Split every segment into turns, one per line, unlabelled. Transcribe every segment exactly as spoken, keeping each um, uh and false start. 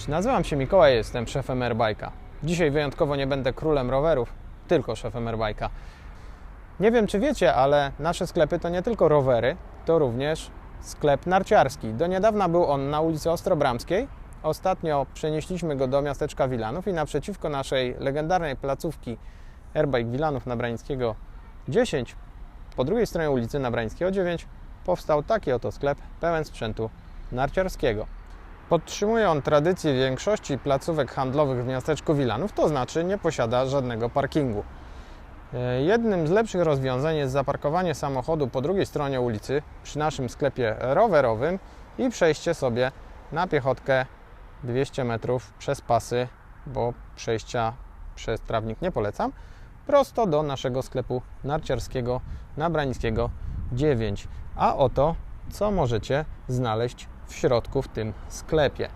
nazywam się Mikołaj, jestem szefem Airbike'a. Dzisiaj wyjątkowo nie będę królem rowerów, tylko szefem Airbike'a. Nie wiem, czy wiecie, ale nasze sklepy to nie tylko rowery, to również sklep narciarski. Do niedawna był on na ulicy Ostrobramskiej. Ostatnio przenieśliśmy go do miasteczka Wilanów i naprzeciwko naszej legendarnej placówki Airbike Wilanów Nabrańskiego dziesięć, po drugiej stronie ulicy Nabrańskiego dziewięć, powstał taki oto sklep pełen sprzętu narciarskiego. Podtrzymuje on tradycję większości placówek handlowych w miasteczku Wilanów, to znaczy nie posiada żadnego parkingu. Jednym z lepszych rozwiązań jest zaparkowanie samochodu po drugiej stronie ulicy przy naszym sklepie rowerowym i przejście sobie na piechotkę dwieście metrów przez pasy, bo przejścia przez trawnik nie polecam, prosto do naszego sklepu narciarskiego Nabrańskiego dziewięć. A oto, co możecie znaleźć w środku w tym sklepie.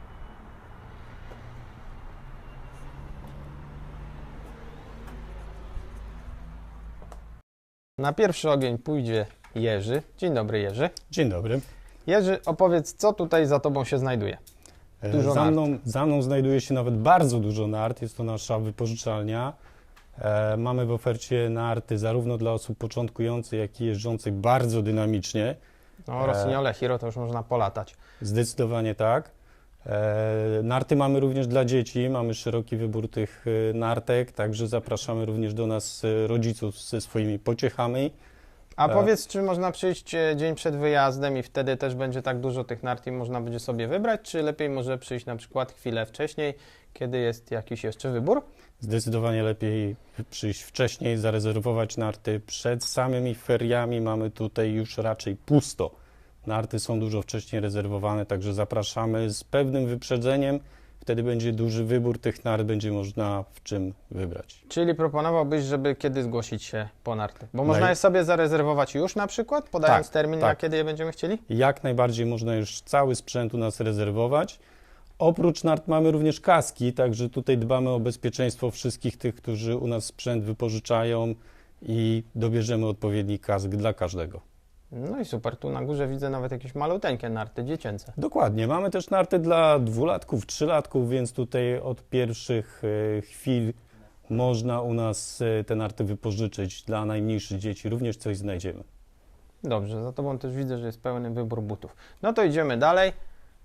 Na pierwszy ogień pójdzie Jerzy. Dzień dobry, Jerzy.
Dzień dobry.
Jerzy, opowiedz, co tutaj za Tobą się znajduje? Dużo
za,
nart.
mną, za mną znajduje się nawet bardzo dużo nart. Jest to nasza wypożyczalnia. E, mamy w ofercie narty zarówno dla osób początkujących, jak i jeżdżących bardzo dynamicznie.
No, Rossignole, Hiro to już można polatać.
Zdecydowanie tak. E, narty mamy również dla dzieci. Mamy szeroki wybór tych e, nartek, także zapraszamy również do nas e, rodziców ze swoimi pociechami.
A powiedz, czy można przyjść dzień przed wyjazdem i wtedy też będzie tak dużo tych nart i można będzie sobie wybrać, czy lepiej może przyjść na przykład chwilę wcześniej, kiedy jest jakiś jeszcze wybór?
Zdecydowanie lepiej przyjść wcześniej, zarezerwować narty. Przed samymi feriami mamy tutaj już raczej pusto. Narty są dużo wcześniej rezerwowane, także zapraszamy z pewnym wyprzedzeniem. Wtedy będzie duży wybór tych nart, będzie można w czym wybrać.
Czyli proponowałbyś, żeby kiedy zgłosić się po narty? Bo można
Naj-
je sobie zarezerwować już na przykład, podając
Tak,
termin,
tak.
na kiedy je będziemy chcieli?
Jak najbardziej można już cały sprzęt u nas rezerwować. Oprócz nart mamy również kaski, także tutaj dbamy o bezpieczeństwo wszystkich tych, którzy u nas sprzęt wypożyczają i dobierzemy odpowiedni kask dla każdego.
No i super, tu na górze widzę nawet jakieś maluteńkie narty dziecięce.
Dokładnie, mamy też narty dla dwulatków, trzylatków, więc tutaj od pierwszych e, chwil można u nas e, te narty wypożyczyć. Dla najmniejszych dzieci również coś znajdziemy.
Dobrze, za Tobą też widzę, że jest pełny wybór butów. No to idziemy dalej.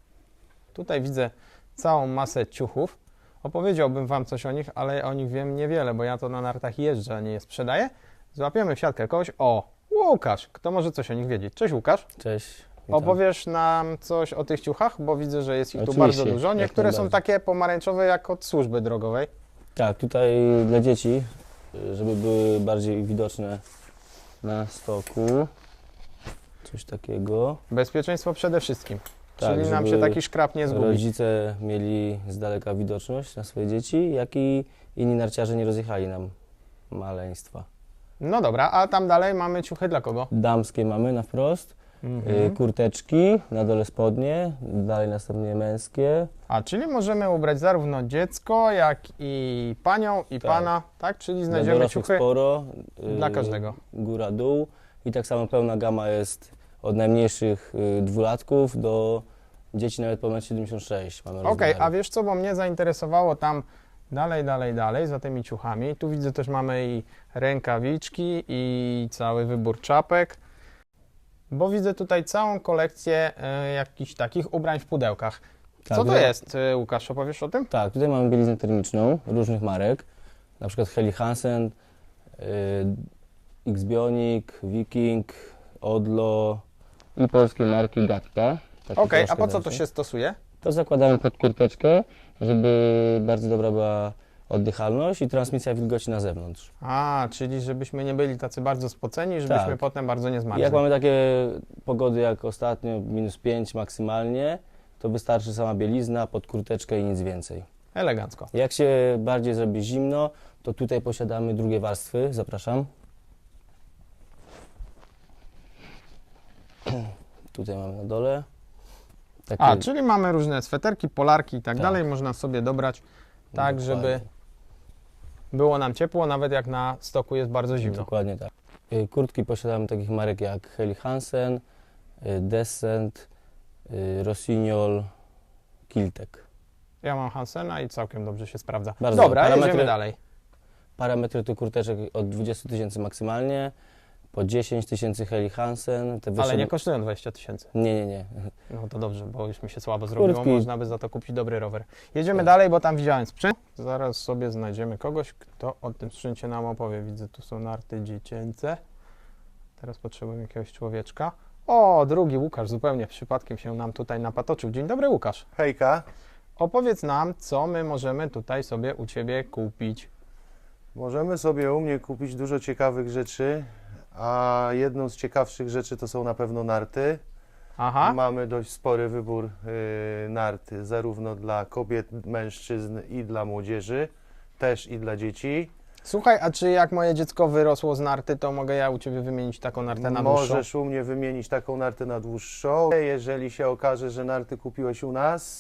Tutaj widzę całą masę ciuchów. Opowiedziałbym Wam coś o nich, ale o nich wiem niewiele, bo ja to na nartach jeżdżę, a nie je sprzedaję. Złapiemy w siatkę kogoś. O, Łukasz, kto może coś o nich wiedzieć? Cześć Łukasz.
Cześć. Witam.
Opowiesz nam coś o tych ciuchach, bo widzę, że jest ich tu
Oczywiście,
bardzo dużo.
jak
Niektóre są
najbardziej.
takie pomarańczowe jak od służby drogowej.
Tak, tutaj dla dzieci, żeby były bardziej widoczne na stoku. Coś takiego.
Bezpieczeństwo przede wszystkim.
Tak,
Czyli nam się
żeby
taki szkrab nie zgubi.
Rodzice mieli z daleka widoczność na swoje dzieci, jak i inni narciarze nie rozjechali nam maleństwa.
No dobra, a tam dalej mamy ciuchy dla kogo?
Damskie mamy na wprost,
Mhm.
y, kurteczki, na dole spodnie, dalej następnie męskie.
A, czyli możemy ubrać zarówno dziecko, jak i panią, i
Tak.
pana, tak? Czyli
Dla
znajdziemy
dorosłych
ciuchy
sporo. y,
dla każdego.
Góra, dół i tak samo pełna gama jest od najmniejszych y, dwulatków do dzieci nawet po metr siedemdziesiąt sześć. Mamy
Okej,
rozmiary.
a wiesz co, bo mnie zainteresowało tam dalej, dalej, dalej, za tymi ciuchami. Tu widzę też mamy i rękawiczki, i cały wybór czapek, bo widzę tutaj całą kolekcję e, jakichś takich ubrań w pudełkach.
Tak,
Co to
tutaj-
jest, e, Łukasz, opowiesz o tym?
Tak, tutaj mamy bieliznę termiczną różnych marek, na przykład Helly Hansen, y, X-Bionic, Viking, Odlo i polskie marki Gatka. Takie
Okej, a
troszkę
po co to
tańsze.
się stosuje?
To zakładamy pod kurteczkę, żeby bardzo dobra była oddychalność i transmisja wilgoci na zewnątrz.
A, czyli żebyśmy nie byli tacy bardzo spoceni, żebyśmy
Tak.
potem bardzo nie
I
zmarzli.
jak mamy takie pogody jak ostatnio, minus pięć maksymalnie, to wystarczy sama bielizna pod kurteczkę i nic więcej.
Elegancko.
Jak się bardziej zrobi zimno, to tutaj posiadamy drugie warstwy. Zapraszam. Tutaj mamy na dole. Takie,
A, czyli mamy różne sweterki, polarki i tak
Tak.
dalej, można sobie dobrać tak, żeby
Dokładnie.
było nam ciepło, nawet jak na stoku jest bardzo zimno.
Dokładnie tak. Y, Kurtki posiadamy takich marek jak Helly Hansen, y, Descent, y, Rossignol, Kiltek.
Ja mam Hansena i całkiem dobrze się sprawdza.
Bardzo
Dobra,
dobre.
jedziemy
Parametry-
dalej.
Parametry tu kurteczek od dwudziestu tysięcy maksymalnie, po dziesięć tysięcy Helly Hansen. Te
Ale
wyższe-
nie kosztują dwadzieścia tysięcy.
Nie, nie, nie.
No to dobrze, bo już mi się słabo zrobiło,
Kurtki.
można by za to kupić dobry rower. Jedziemy dalej, bo tam widziałem sprzęt. Zaraz sobie znajdziemy kogoś, kto o tym sprzęcie nam opowie. Widzę, tu są narty dziecięce. Teraz potrzebuję jakiegoś człowieczka. O, drugi Łukasz, zupełnie przypadkiem się nam tutaj napatoczył. Dzień dobry, Łukasz.
Hejka,
Opowiedz nam, co my możemy tutaj sobie u Ciebie kupić.
możemy sobie u mnie kupić dużo ciekawych rzeczy, a jedną z ciekawszych rzeczy to są na pewno narty.
Aha,
Mamy dość spory wybór y, nart, zarówno dla kobiet, mężczyzn i dla młodzieży, też i dla dzieci.
słuchaj, a czy jak moje dziecko wyrosło z narty, to mogę ja u Ciebie wymienić taką nartę na dłuższą?
Możesz u mnie wymienić taką nartę na dłuższą. Jeżeli się okaże, że narty kupiłeś u nas,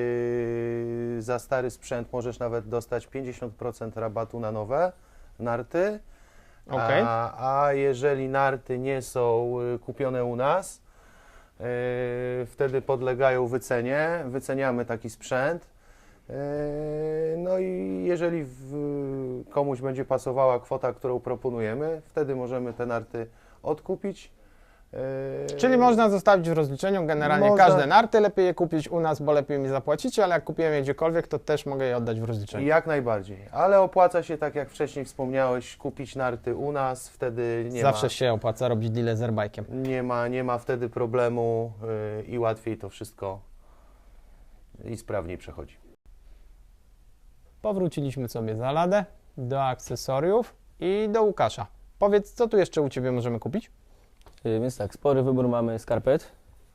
yy, za stary sprzęt możesz nawet dostać pięćdziesiąt procent rabatu na nowe narty.
Okej.
A, a jeżeli narty nie są y, kupione u nas, yy, wtedy podlegają wycenie. Wyceniamy taki sprzęt. Yy, No i jeżeli w, komuś będzie pasowała kwota, którą proponujemy, wtedy możemy te narty odkupić. Yy,
Czyli można zostawić w rozliczeniu generalnie
Można.
każde narty, lepiej je kupić u nas, bo lepiej mi zapłacicie, ale jak kupiłem je gdziekolwiek, to też mogę je oddać w rozliczeniu.
Jak najbardziej, ale opłaca się, tak jak wcześniej wspomniałeś, kupić narty u nas, wtedy nie
Zawsze
ma,
się opłaca robić deal z airbike'iem.
nie ma, nie ma wtedy problemu yy, i łatwiej to wszystko i sprawniej przechodzi.
Powróciliśmy sobie za ladę, do akcesoriów i do Łukasza. Powiedz, co tu jeszcze u Ciebie możemy kupić?
Y, Więc tak, spory wybór mamy skarpet.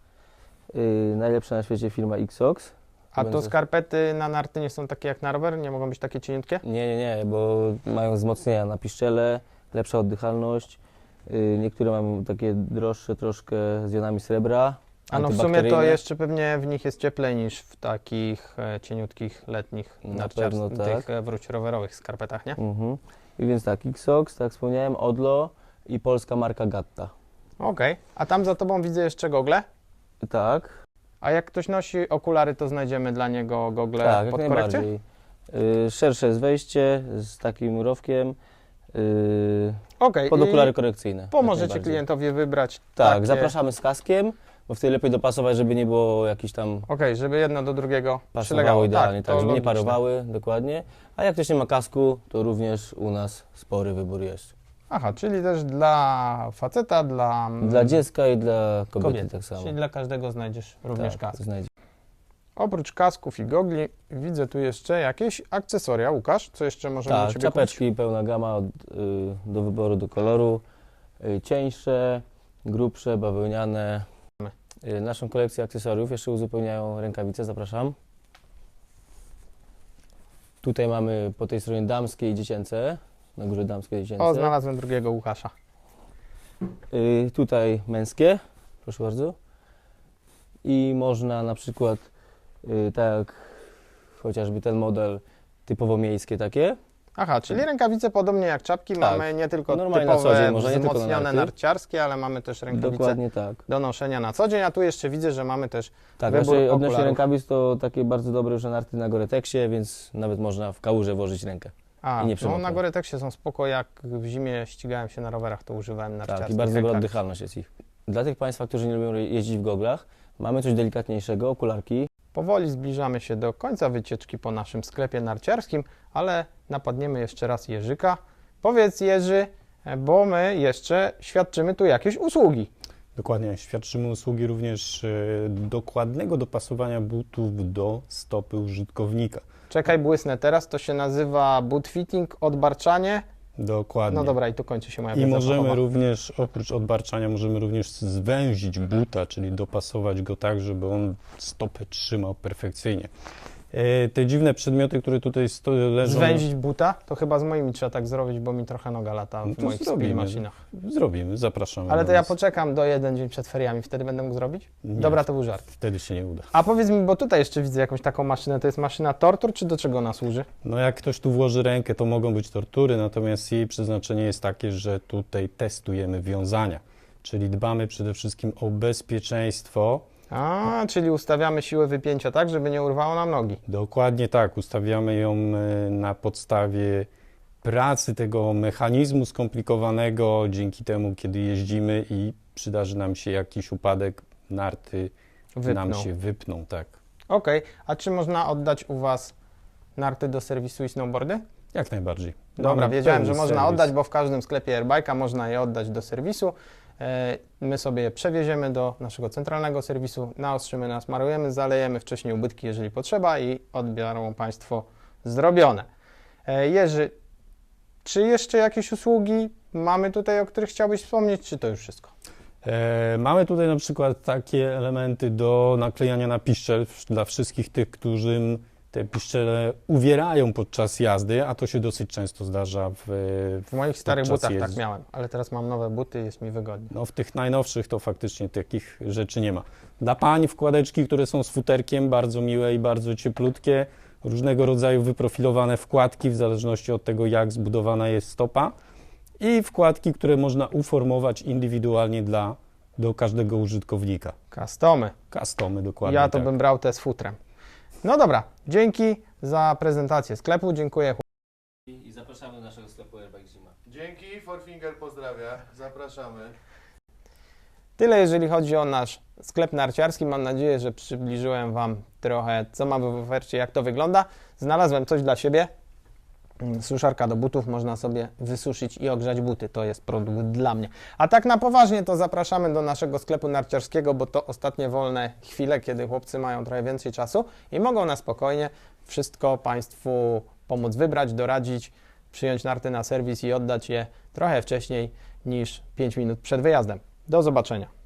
Y, najlepsza na świecie firma Xox.
A to
Będzie-
skarpety na narty nie są takie jak na rower? Nie mogą być takie cieniutkie?
Nie, nie, nie, bo mają wzmocnienia na piszczele, lepsza oddychalność. Y, niektóre mają takie droższe troszkę z jonami srebra.
A no w sumie to
antybakteryjne.
jeszcze pewnie w nich jest cieplej niż w takich e, cieniutkich, letnich,
Na
narciars-
pewno tak.
tych e, wróć rowerowych skarpetach, nie?
Mhm. I więc tak, Xox, tak jak wspomniałem, Odlo i polska marka Gatta.
Okej, a tam za Tobą widzę jeszcze gogle.
Tak,
A jak ktoś nosi okulary, to znajdziemy dla niego gogle
tak, jak
pod korekcję?
najbardziej. Y, szersze jest wejście z takim rowkiem, y,
Okej,
pod
i
okulary korekcyjne. jak
pomożecie
najbardziej.
klientowi wybrać
Tak,
takie...
zapraszamy z kaskiem, bo wtedy lepiej dopasować, żeby nie było jakiś tam
Okej, żeby jedno do drugiego
pasowało
przylegało.
idealnie, tak,
to
żeby nie
logiczne.
parowały, dokładnie. A jak ktoś nie ma kasku, to również u nas spory wybór jest.
Aha, czyli też dla faceta, dla,
Dla dziecka i dla kobiety,
kobiety.
tak samo.
Czyli dla każdego znajdziesz również
tak,
kask.
znajdzie.
Oprócz kasków i gogli widzę tu jeszcze jakieś akcesoria. Łukasz, co jeszcze możemy u
Tak,
Ciebie
czapeczki, pełna gama od, y, do wyboru, do koloru. Y, cieńsze, grubsze, bawełniane. Y, naszą kolekcję akcesoriów jeszcze uzupełniają rękawice, zapraszam. Tutaj mamy po tej stronie damskie i dziecięce. Na górze damskie i
kupić?
dziecięce.
O, znalazłem drugiego Łukasza.
Y, tutaj męskie, proszę bardzo. I można na przykład, y, tak jak chociażby ten model, typowo miejskie takie.
Aha, czyli rękawice podobnie jak czapki.
Tak.
Mamy nie tylko
Normalnie na co
typowe,
dzień, może nie tylko na
wzmocnione
narty.
narciarskie, ale mamy też rękawice
Dokładnie tak.
do noszenia na co dzień. A tu jeszcze widzę, że mamy też
Tak,
wybór
znaczy odnośnie
okularów.
rękawic to takie bardzo dobre już narty na Gore-Texie, więc nawet można w kałuże włożyć rękę.
A,
I nie
no
przemokną.
na Gore-Texie są spoko, jak w zimie ścigałem się na rowerach, to używałem narciarskich
Tak, i bardzo dobra
rękawic.
oddychalność jest ich. Dla tych Państwa, którzy nie lubią jeździć w goglach, mamy coś delikatniejszego, okularki.
Powoli zbliżamy się do końca wycieczki po naszym sklepie narciarskim, ale napadniemy jeszcze raz Jerzyka. Powiedz Jerzy, bo my jeszcze świadczymy tu jakieś usługi.
Dokładnie, świadczymy usługi również e, dokładnego dopasowania butów do stopy użytkownika.
Czekaj, błysnę teraz, to się nazywa boot fitting, odbarczanie.
Dokładnie.
No dobra, i tu kończy się moja
I
wiedza
możemy
fachowa.
również, oprócz odbarczania, możemy również zwęzić buta, czyli dopasować go tak, żeby on stopę trzymał perfekcyjnie. E, te dziwne przedmioty, które tutaj sto- leżą...
Zwęzić buta? To chyba z moimi trzeba tak zrobić, bo mi trochę noga lata
No
w
to
moich
zrobimy.
speed maszynach.
Zrobimy, zapraszamy.
Ale
do
to ja
nas.
poczekam do jeden dzień przed feriami, wtedy będę mógł zrobić?
Nie,
Dobra, to był żart.
Wtedy się nie uda.
A powiedz mi, bo tutaj jeszcze widzę jakąś taką maszynę, to jest maszyna tortur, czy do czego ona służy?
No jak ktoś tu włoży rękę, to mogą być tortury, natomiast jej przeznaczenie jest takie, że tutaj testujemy wiązania, czyli dbamy przede wszystkim o bezpieczeństwo
A, czyli ustawiamy siłę wypięcia tak, żeby nie urwało nam nogi.
Dokładnie tak, ustawiamy ją e, na podstawie pracy tego mechanizmu skomplikowanego, dzięki temu, kiedy jeździmy i przydarzy nam się jakiś upadek, narty
Wypną.
nam się wypną, tak.
Okej, a czy można oddać u Was narty do serwisu i snowboardy?
Jak najbardziej.
Dobra,
Mamy
wiedziałem,
pełny
że można
serwis.
oddać, bo w każdym sklepie Airbike'a można je oddać do serwisu. E, My sobie je przewieziemy do naszego centralnego serwisu, naostrzymy, nasmarujemy, zalejemy wcześniej ubytki, jeżeli potrzeba i odbiorą Państwo zrobione. E, Jerzy, czy jeszcze jakieś usługi mamy tutaj, o których chciałbyś wspomnieć, czy to już wszystko?
E, mamy tutaj na przykład takie elementy do naklejania na piszczel w- dla wszystkich tych, którym te piszczele uwierają podczas jazdy, a to się dosyć często zdarza w,
W moich starych
Podczas
butach tak
jeździ-
miałem, ale teraz mam nowe buty, jest mi wygodnie.
no, w tych najnowszych to faktycznie takich rzeczy nie ma. Dla pań wkładeczki, które są z futerkiem, bardzo miłe i bardzo cieplutkie, różnego rodzaju wyprofilowane wkładki w zależności od tego, jak zbudowana jest stopa i wkładki, które można uformować indywidualnie dla, do każdego użytkownika.
Customy.
Customy dokładnie
Ja to
tak.
bym brał te z futrem. No dobra, dzięki za prezentację sklepu, dziękuję.
I zapraszamy do naszego sklepu Airbike Zima.
Dzięki, Forfinger pozdrawia, zapraszamy.
Tyle jeżeli chodzi o nasz sklep narciarski. Mam nadzieję, że przybliżyłem Wam trochę, co mamy w ofercie, jak to wygląda. Znalazłem coś dla siebie. Mm, Suszarka do butów, można sobie wysuszyć i ogrzać buty. To jest produkt dla mnie. A tak na poważnie to zapraszamy do naszego sklepu narciarskiego, bo to ostatnie wolne chwile, kiedy chłopcy mają trochę więcej czasu i mogą na spokojnie wszystko Państwu pomóc wybrać, doradzić, przyjąć narty na serwis i oddać je trochę wcześniej niż pięć minut przed wyjazdem. Do zobaczenia.